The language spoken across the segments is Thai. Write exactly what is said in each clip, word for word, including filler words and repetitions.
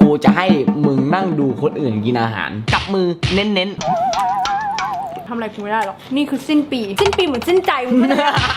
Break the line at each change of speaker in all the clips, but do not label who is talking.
กูจะให้มึงนั่งดูคนอื่นกินอาหารกับมือเน้น
ๆทำอะไรกูไม่ได้หรอกนี่คือสิ้นปีสิ้นปีเหมือนสิ้นใจมึง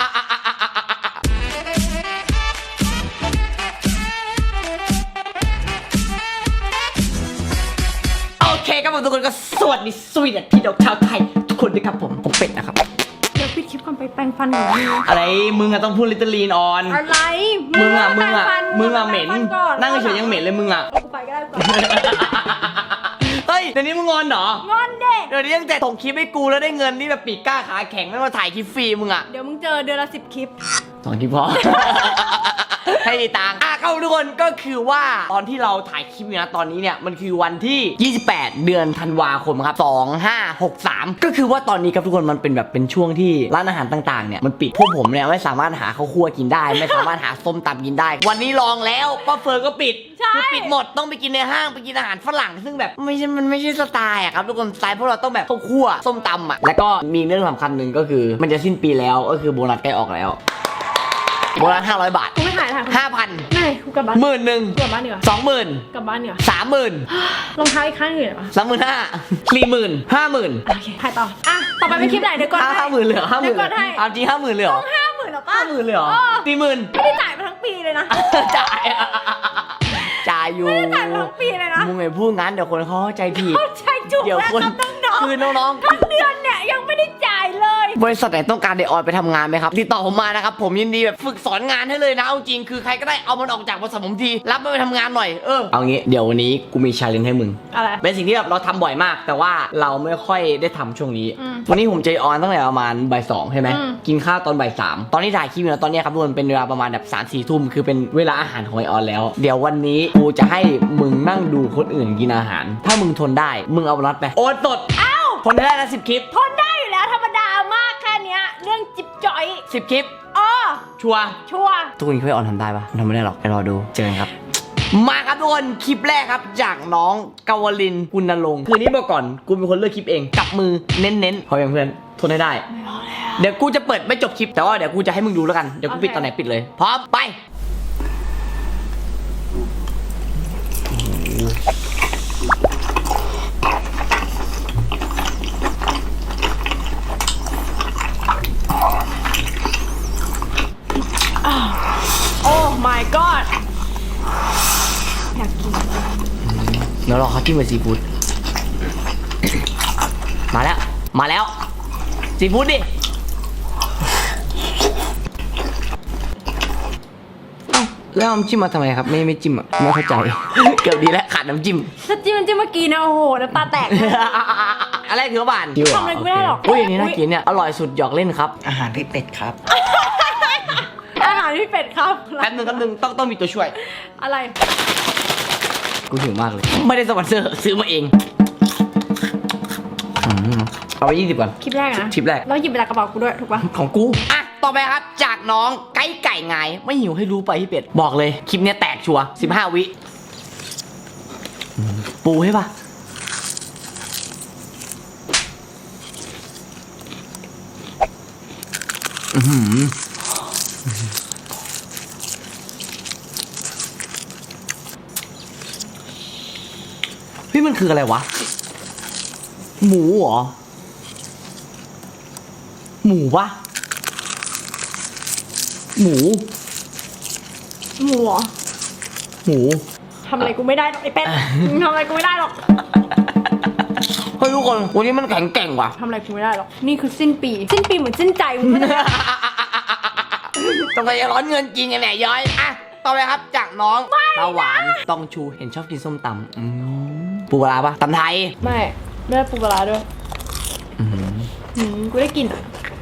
โอเคครับผมทุกคนก็สวัสดีสวีเดนพี่น้องชาวไทยทุกคนด้วยครับผมผมเป็ดนะครับ
เดี๋ยวปิดคลิปก่อนไปแปรงฟันหน่อย
อะไรมึงอะต้องพูดลิตเติ้ลลีนออน
อะไร
มึงอะมึงอะมึงอะเหม็นนั่งเฉยยังเหม็นเลยมึงอะ
กูไปก็ได้ก่อน
เฮ้ยเดี๋ยวนี้มึงงอนเหรอง
อนเด็ก
เดี๋ยวนี้ตั้งแต่ส่งคลิปให้กูแล้วได้เงินนี่แบบปีกกล้าขาแข็งไม่มาถ่ายคลิปฟรีมึงอะ
เดี๋ยวมึงเจอเดือนละสิบคลิป
สองคลิปพอให้ตังค์อ่ะเข้าทุกคนก็คือว่าตอนที่เราถ่ายคลิปเนี่ยตอนนี้เนี่ยมันคือวันที่ยี่สิบแปดเดือนธันวาคมครับสองห้าหกสามก็คือว่าตอนนี้ครับทุกคนมันเป็นแบบเป็นช่วงที่ร้านอาหารต่างๆเนี่ยมันปิดพวกผมเนี่ยไม่สามารถหาข้าวคั่วกินได้ไม่สามารถหาส้มตำกินได้วันนี้ลองแล้วป้าเฟิร์นก็ปิดคือปิดหมดต้องไปกินในห้างไปกินอาหารฝรั่งซึ่งแบบไม่ใช่มันไม่ใช่สไตล์อะครับทุกคนสไตล์พวกเราต้องแบบข้าวคั่วส้มตำอะแล้วก็มีเรื่องสำคัญหนึ่งก็คือมันจะสิ้นปีแล้วก็คือโบนัสใกล้ออกแล้วโบนัสห้าร้อยบาท
กูไม่ถ่ายถ่าย
ห้าพัน
ไม่กูกลับบ้าน
หมื่นหนึ่ง
กลับบ้านเหนือ
สองหมื่น
กลับบ้านเหนือ
สามหมื่น
รองเท้าอีกข้างหนึ่งเหรอ
สามหมื่นห้าสี่หมื่นห้าหมื่น
โอเคถ่ายต่ออ่ะต่อไปเป็นคลิปไหนเดี๋ยวก่อน
ห้าหมื่นเหลือห้าหมื่น
เดี๋ยวก่อนให้
เอาจริงห้าหมื่นเหลือ
ห้าหมื่นหรอป้า
ห้าหมื่นเหลือสี่หมื่น
ไม่ได้จ่ายมาทั้งปีเลยนะ
จ่ายจ่ายอยู่
ไม่ได้จ่ายมาทั้งปีเลยนะ
มึงไงพูดงั้นเดี๋ยวคนเขาเข้าใจผิด
เข้าใจจุกแล้วครับน้องๆ
คือน้องๆ
ทั้งเดือนเนี่ยยังไม่ได้จ่ายเลย
บริษัทไหนต้องการเดออนไปทำงานไหมครับติดต่อผมมานะครับผมยินดีแบบฝึกสอนงานให้เลยนะเอาจริงคือใครก็ได้เอามันออกจากบริษัทผมทีรับมันไปทำงานหน่อยเออเอางี้เดี๋ยววันนี้กูมีชาเลนจ์ให้มึง
อะไร
เป็นสิ่งที่แบบเราทำบ่อยมากแต่ว่าเราไม่ค่อยได้ทำช่วงนี้วันนี้ผมเจอออนตั้งแต่ประมาณบ่ายสองใช่ไหมกินข้าวตอนบ่ายสามตอนที่ถ่ายคลิปอยู่นะตอนนี้ครับทุกคนเป็นเวลาประมาณแบบสามสี่ทุ่มคือเป็นเวลาอาหารของไอออนแล้วเดี๋ยววันนี้กูจะให้มึงนั่งดูคนอื่นกินอาหารถ้ามึงทนได้มึงเอาน็อตไปโอนสด
อ้าว
ทนได้นะสิบคลิป
ทนได้อยู่แล้วธรรมดามากแค่นี้เรื่องจิบจ่อย
สิบคลิป
อ๋อ
ชัวร์
ชัวร์
ทุกคนคิดว่าออนทำได้ปะทำไม่ได้หรอกไปรอดูเจอกันครับมาครับทุกคนคลิปแรกครับจากน้องกาวลินกุณลงค์คืนนี้บอกก่อนกูเป็นคนเลือกคลิปเองกับมือเน้นๆพอยังเพื่อนทนให้ได้เดี๋ยวกูจะเปิดไม่จบคลิปแต่ว่าเดี๋ยวกูจะให้มึงดูแล้วกันเดี๋ยวกูปิดตอนไหนปิดเลยพร้อมไป
โอ้ my god อยากกิน
เดี๋ยวรอเขาจิ้มกับซีฟู้ดมาแล้วมาแล้วซีฟู้ดดิเอ้าแล้วน้ำจิ้มมาทำไมครับไม่ไม่จิ้มอ่ะไม่เข้าใจเกือบดีแล้วขาดน้ำจิ้ม
ถ้าจิ้มน้ำจิ้มเมื่อกี้นะโอ้โหน้ำตาแตก
อะไรถือว่าบาน
ทำอะไรไม่ได้หรอก
อุ้ยอันนี้น่ากินเนี่ยอร่อยสุดหยอกเล่นครับ
อาหารพี่เป็ดครับ
อาหารพี่เป็ดครับ
แป๊บนึงแป๊บนึงต้องต้องมีตัวช่วย
อะไร
กูหิวมากเลยไม่ได้สปอนเซอร์ซื้อมาเองเอาไปยี่สิบก่อน
คลิปแรกนะ
คลิปแรก
แล้วหยิบไปจากกระเป๋ากูด้วยถูกปะ
ของกูอ่ะต่อไปครับจากน้องไก่ไก่ไงไม่หิวให้รู้ไปพี่เป็ดบอกเลยคลิปนี้แตกชัวร์สิบห้าวิปูให้ปะอือหือพี่มันคืออะไรวะหมูเหรอหมูวะหมู
หมูเหรอ
หมู
ทำอะไรกูไม่ได้หรอกไอ้เป็ดทำอะไรกูไม่ได้หรอก
เฮ้ยทุกคนวันนี้มันแข็งแกร่งว่ะ
ทำอะไรกูไม่ได้หรอกนี่คือสิ้นปีสิ้นปีเหมือนสิ้นใจมึง
ต้องไปร้อนเงินจริงไงแหละย้อยอ่ะต่อไปครับจากน้องตาหวานตองชูเห็นชอบกินส้มตำปูปลาปะตำไทย
ไม่ไม่ได้ปูปลาด้วยอืมกูได้กิน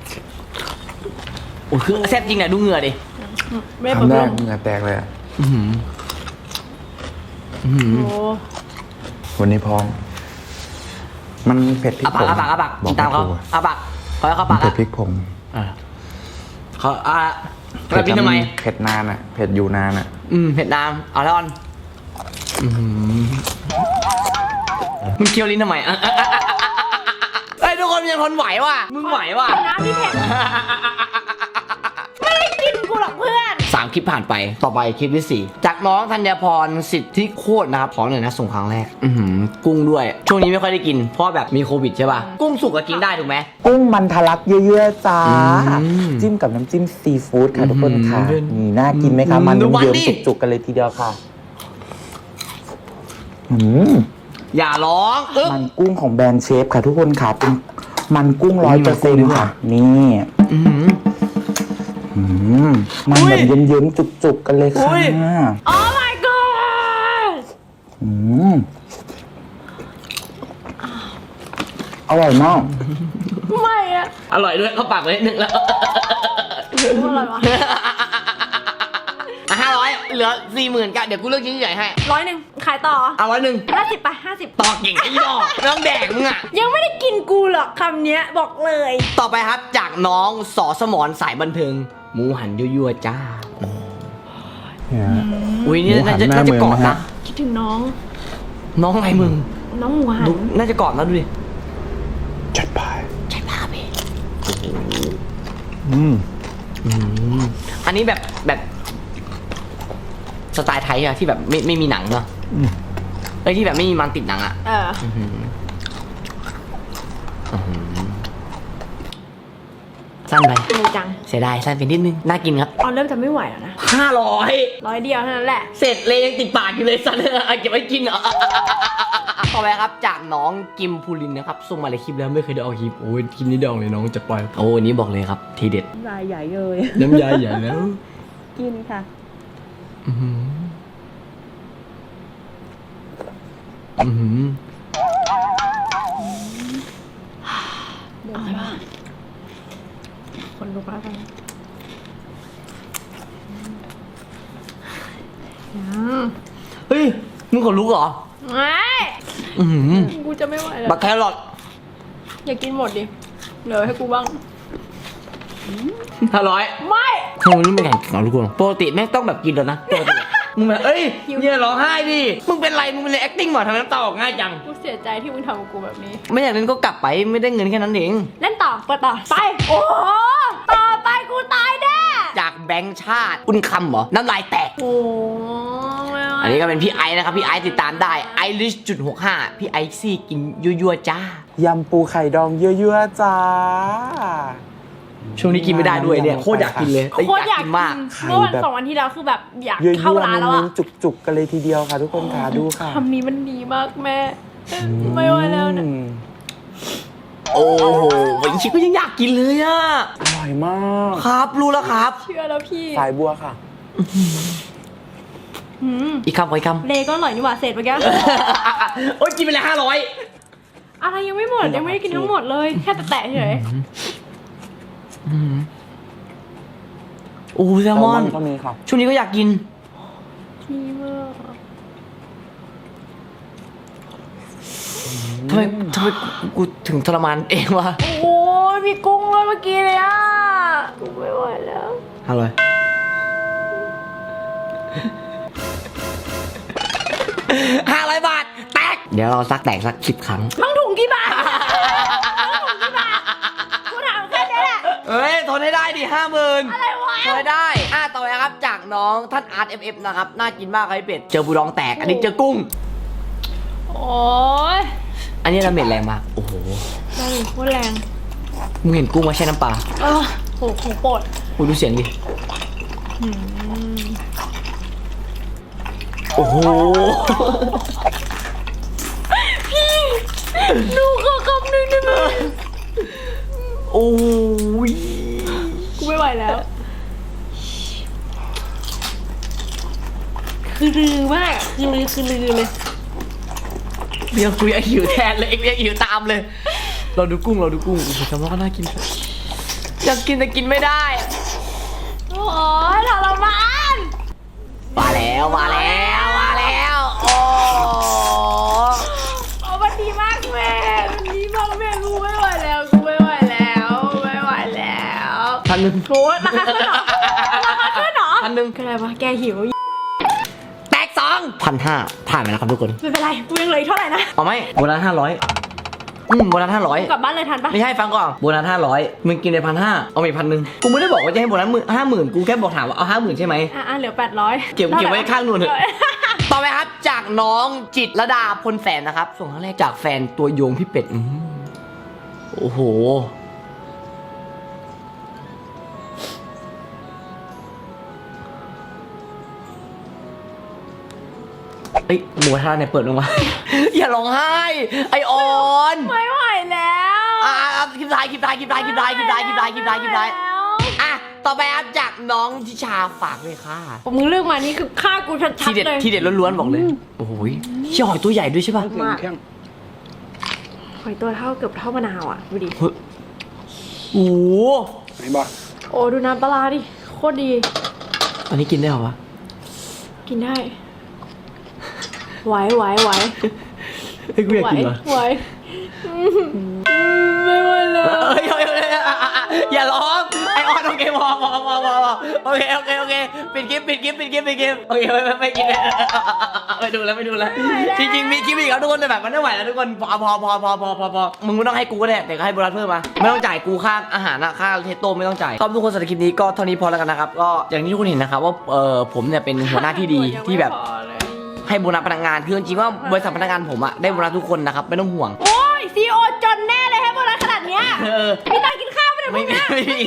โอ้คือแซ่บจริงเนี่ยดูเหงื่อดิ
ไม่ทำได้เหงื่อแตกเลยอ่ะวันนี้พร้อมมันเผ็ดพริกผง
อาปากอาปากตามเขาอาปากเขาเขาปาก
เผ็ดพริกผง
เขาอ่ะ
เผ็ดทำไมเผ็ดนานอ่ะเผ็ดอยู่นานอ่ะ
อืมเผ็ดนานเอาแล้วออนมึงเคี้ยวลิ้นทำไมอ่ะไอ้ทุกคนยังทนไหวว่ะมึงไหวว่ะ
น้ำพี่เผ็ดไม่ได้กินกูหรอกเพื่อน
สั่งคลิปผ่านไปต่อไปคลิปที่สี่จากน้องธัญพรสิทธิโคตรนะครับขอหน่อยนะส่งครั้งแรกอือหือกุ้งด้วยช่วงนี้ไม่ค่อยได้กินเพราะแบบมีโควิดใช่ป่ะกุ้งสุกก็กินได้ถูกไหม
กุ้งมันทะลักเยอะๆจ้า
อืม
จิ้มกับน้ำจิ้มซีฟู้ดค่ะทุกคนค่ะ
อืม
นี่น่ากินไหมคะ
อืม
มัน
ดูมัน
เยิ้ม
ดิ
ๆจุกๆกันเลยทีเดียวค่ะอืม
อย่าร้องอึ๊บ
มันกุ้งของแบรนด์เชฟค่ะทุกคนค่ะเป็นมันกุ้งร้อยเปอร์เซ็นต์ค่ะ นี่
อือหือ
อืมมันแบบเยิ้มๆจุกๆกันเลย
อุ้
ค่ะ
ย
โอ้ my god
อืมอร่อยมาก
ไม่อะ
อร่อยด้วยเข้าปากไปนิดนึงแล้ว
อะไรวะ
ห้าร้อยเหลือสี่หมื่นกันเดี๋ยวกูเลือกชิ้นใหญ่ให้
ร้อยหนึ่งขายต่อ
เอาร้อยหนึ่ง
ห้าสิบไปห้าสิบ
ต่อเก่งไอ้ดอกน้องแดกมึงอะ
ยังไม่ได้กินกูหรอกคำเนี้ยบอกเลย
ต่อไปครับจากน้องสอสมรสายบันเทิงหมูหันยั่วๆจ้า
เนี่ย
อุ้ยนี่
หมูหั
น่าน จะ
หน้า
น่าจะ
เมือง
กอด
นะ
นะ
ฮะ
คิดถึงน้อง
น้องไงมึง
น้องหมูหัน
ดูน่าจะกอดนะดูดิ
จัดไป
ใช่ป่ะพี่
อืม
อันนี้แบบแบบสไตล์ไทยอะที่แบบไม่ไม่มีหนังเนาะ
อืม
ไอ้ยที่แบบไม่มีมันติดหนังอะ
เออ
อื้อหืออื้อหือสั้นไป
ดีจัง
เสียดายสั้นไปนิดนึงน่ากินครับ
ออนเริ่มจะไม่ไหวแล้วนะ
ห้าร้อย
ร้อยเดียวเท่านั้นแหละ
เสร็จเลยยังติดปากอยู่เลยสั้นเอาเก็บไว้กินเหรอต่อไปครับจากน้องกิมพูลินนะครับส่งมาในคลิปแล้วไม่เคยได้เอาคลิปโอ้ยคลิปนี้เดองเลยน้องจะปล่อยโอ้อันนี้บอกเลยครับทีเด็ด
รายใหญ่เลย
น้ำยาใหญ่แล้ว
กินค่ะ
อื้อหืออื้อหือ
เดี๋ยวมาคนลุกแล้วกันอืม
เฮ้ยมึงขนลุกเหรอ
ไม่
อื้อหือ
กูจะไม่ไหวแล้ว
บักแครอท
อย่ากินหมดดิเหลือให้กูบ้าง
ห้าร้อย
ไม่
ทำไมนี่ไม่แข่งกับลูกกูปกติแม่งต้องแบบกินแล้วนะปกติอะมึงแบบเอ้ยอย่าร้องไห้ดิมึงเป็นไรมึงเป็นเลย acting หมอทำไมน้ำตาออกง่ายจัง
กูเสียใจที่มึงทำกับกูแบบนี้
ไม่อยากเล่นก็กลับไปไม่ได้เงินแค่นั้นเอง
เล่นต่อเปิดต่อ ไป โอ้โหต่อไปกูตายแน่
จากแบงค์ชาติคุณคำเหรอน้ำลายแตก
โอ้ไม่ไหว
อันนี้ก็เป็นพี่ไอซ์นะครับพี่ไอซ์ติดตามได้ไอริชจุดหกห้าพี่ไอซี่กินยั่วๆจ้าย
ำปูไข่ดองเยอะๆจ้า
ช่วงนี้กินไม่ได้ด้วยเนี่ยโคตรอยากกินเลยแต่
โคตรอยากกิน
มาก
เมื่อวันสองวันที่แล้วคือแบบอยาก
เยอะ
เข้า
ๆ
ร้านแล้ว
เน้
อะ
นๆจุกๆกันเลยทีเดียวค่ะ ทุกคนค่ะดูค่ะ
คำนี้มันดีมากแม่ ไม่ไหวแล้วนะ
อืม
โอ้โหวันนี้ชิคก็ยังอยากกินเลยอะ
อร่อยมาก
ครับรู้แล้วครับ
เชื่อแล้วพี่
สายบัวค่ะ
หืม
อีกคำขออีกคำ
เลก็อร่อยนี่หว่าเสร็จเมื่อกี้
โอ๊ยกินไปเลยห้าร้อย
อะไรยังไม่หมดยังไม่ได้กินทั้งหมดเลย แค่แตะๆเฉย
โอ้แซลมอน
ก็มีค่ะ
ช่วงนี้ก็อยากกิน
ดีมาก
ทำไมทำไมกูกูถึงทรมานเองวะ
โอ้ยมีกุ้งเลยเมื่อกี้เลยอ่ะกูไม่ไหวแล้ว
ห้าร้อยห้าร้อยบาท แตก เดี๋ยวเราซักแตกสักสิบครั้ง
ทั้งถุงกี่บาททั้งถุงกี่บาทกูถามแค่นี้แหละ
เฮ้ยทนให้ได้ดิห้าหมื่น
อะไรวะ
ทนให้ได้ อ่ะต่อไปครับจากน้องท่านอาร์ตเอฟเอฟนะครับ น่ากินมากครับพี่เป็ด เจอบูดองแตก อันนี้เจอกุ้ง
โอ้ย
อันนี้ดาเมจแรงมาก โอ้โห
ได้โคตรแรง
มึงเห็นกุ้งมาแช่น้ำปลา
เออโหของโปรด
กูดูเสียงดิ โอ้โห
ดูขอคำหนึ่งได้ไหม
โอ้ย
กูไม่ไหวแล้ว คือลือมากอะคือลือคือลือเลย
เรียกกูอยากหิวแทนเลยเรียกหิวตามเลย เราดูกุ้งเราดูกุ้งโอ้โหแซลมอนก็น่ากิน อยากกินแต่กินไม่ได้
โอ้ยทรมาน
มาแล้วมาแล้วมาแล้วโอ้
โอ้มันดีมากแม่มันดีมากแม่กูไม่ไหวแล้วกูไม่ไหวแล้วไม่ไหวแล้ว
พันหนึ่ง
โหราคาขึ้นเหรอราคาขึ้นเหรอ
พันหนึ่ง
ก็อะไรวะแกหิว
แตกสองพันห้าผ่านไปแล้วครับทุกคน
ไม่เป็นไรกูยังเหลืออีกเท่าไหร่นะ
เอาไหมวันละห้าร้อยอืมโบนัสห้าร้อย
กลับบ้านเลยทันปะ
ไม่ใช่ฟังก่อนโบนัสห้าร้อยมึงกินในพันห้าเอาไปพันหนึ่งกูไม่ได้บอกว่าจะให้โบนัสห้าหมื่นกูแค่บอกถามว่าเอาห้าหมื่นใช่ไหม
อ่ะเหลือแปดร้อย
เก็บเก็บไว้ข้างนู่นเถอะ ต่อไปครับจากน้องจิตรดาพลแสนนะครับ ส่งครั้งแรกจากแฟนตัวโยงพี่เป็ดอืมโอ้โหเอ้ยหมูท่าเนี่ยเปิดลงมา อย่าร้องไห้ ไอออน
ไม่ไหวแล้ว
อ่ะอ่ะคลิปท้ายคลิปท้ายคลิปท้ายคลิปท้ายคลิปท้ายคลิปท้ายคลิปท้ายคลิปท้ายอ่ะต่อไปครับจากน้องทิชาฝากเลยค่ะ
ผมมึงเลือกมานี่คือฆ่ากูชัด
ที่เด็ด
ๆเลย
ที่เด็ดล้วนๆบอกเลยโอ้โหเชี่ยหอยตัวใหญ่ด้วยใช่ป่ะ
มากหอยตัวเท่าเกือบเท่ามะนาวอ่ะดูดิ
เฮ้ยโอ้โห
ไหนบอก
โอ้ดูน้ำปลาร้าดิโคตรดี
อันนี้กินได้เหรอวะ
กินได้ไหวไหวไหว
เฮ้ยกูอยาก
ไหว
กินเหรอ
ไหวอืมไม่ไหวแล้ว
เฮ้ยเฮ้ยเฮ้ยอ่ะอ่ะอ่ะอย่าร้องไอออนโอเคพอพอพอพอพอโอเคโอเคโอเคปิดคลิปปิดคลิปปิดคลิปปิดคลิปโอเคไม่ไม่ไม่กินแล้วไม่ดูแล้วไม่ดูแล้วจริงๆมีคลิปอีกครับทุกคนแต่แบบมันไม่ไหวแล้วทุกคนพอพอพอพอพอพอพอมึงไม่ต้องให้กูก็ได้แต่ก็ให้โบนัสเพิ่มมาไม่ต้องจ่ายกูค่าอาหารอะค่าเทสโต้ไม่ต้องจ่ายก็ทุกคนสำหรับคลิปนี้ก็เท่านี้พอแล้วกันนะครับก็อย่างที่ทุกคนเห็นนะครับว่าเออผมเนี่ยเป็นหัวหน้าที่ดีที่แบบให้โบนัสพนักงานคือจริงๆว่าบริษัทพนักงานผมอะได้โบนัสทุกคนนะครับไม่ต้องห่วง
โอ้ยซีโอจนแน่เลยให้โบนัสขนาดเนี้ย
เออ
มีตังค์กินข้าวไม่ได้พว
ไม่
ก
มี
เนี้ย
ไม่มี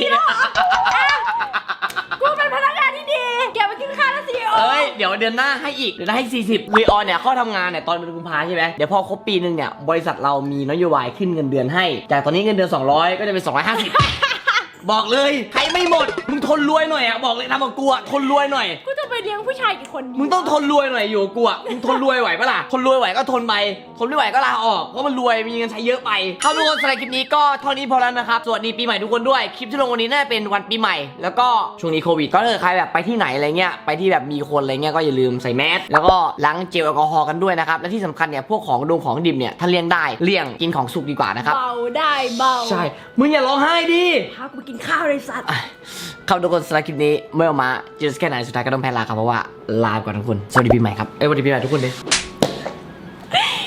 กูเป็นพนักงานที่ดีเก็บไปกินข้าวนะซีโอ
เอ้ย เดี๋ยวเดือนหน้าให้อีก เดือนหน้าให้สี่สิบวีออนเนี่ยเข้าทำงานเนี่ยตอนเป็นกุมภาใช่ไหมเดี๋ยวพอครบปีหนึ่งเนี่ย บริษัทเรามีนโยบายขึ้นเงินเดือนให้ จากตอนนี้เงินเดือนสองร้อยก็จะเป็นสองร้อยห้าสิบ บอกเลย ใครไม่หมด มึงทนรวยหน่อยอ่ะ บอกเลยทำกับกูอ่ะ ทนรวยหน่อย
กูจะไปเลี้ยงผู้ชายกี่คนดี
มึงต้องทนรวยหน่อยอยู่กับกูอ่ะ มึงทนรวยไหวปะล่ะ ทนรวยไหวก็ทนไป ทนไม่ไหวก็ลาออก เพราะมันรวยมีเงินใช้เยอะไปเข้าทุกคนสำหรับคลิปนี้ก็เท่านี้พอแล้วนะครับ สวัสดีปีใหม่ทุกคนด้วย คลิปที่ลงวันนี้น่าจะเป็นวันปีใหม่ แล้วก็ช่วงนี้โควิด ก็ถ้าเกิดใครแบบไปที่ไหนอะไรเงี้ย ไปที่แบบมีคนอะไรเงี้ยก็อย่าลืมใส่แมส แล้วก็ล้างเจลแอลกอฮอล์กันด้วยนะครับ และที่สำคัญเนี่ยพวกของดงของดิบเนี่ยถ้าเลี่ยงได้เลี่ยงกินของสุกดีกว่านะครับ
เบาได้เบา
ใช่ มึงอย่าร้องไห้ดิ
พากูไปกินข้าวเลยสัตว์
ครับทุกคนสำหรับคลิปนี้ไม่ออกมาจะแค่ไหนสุดท้ายก็ต้องแพ้ลาครับเพราะว่าลาไปก่อนทุกคนสวัสดีปีใหม่ครับเอ้ยสวัสดีปีใหม่ทุกคนเลย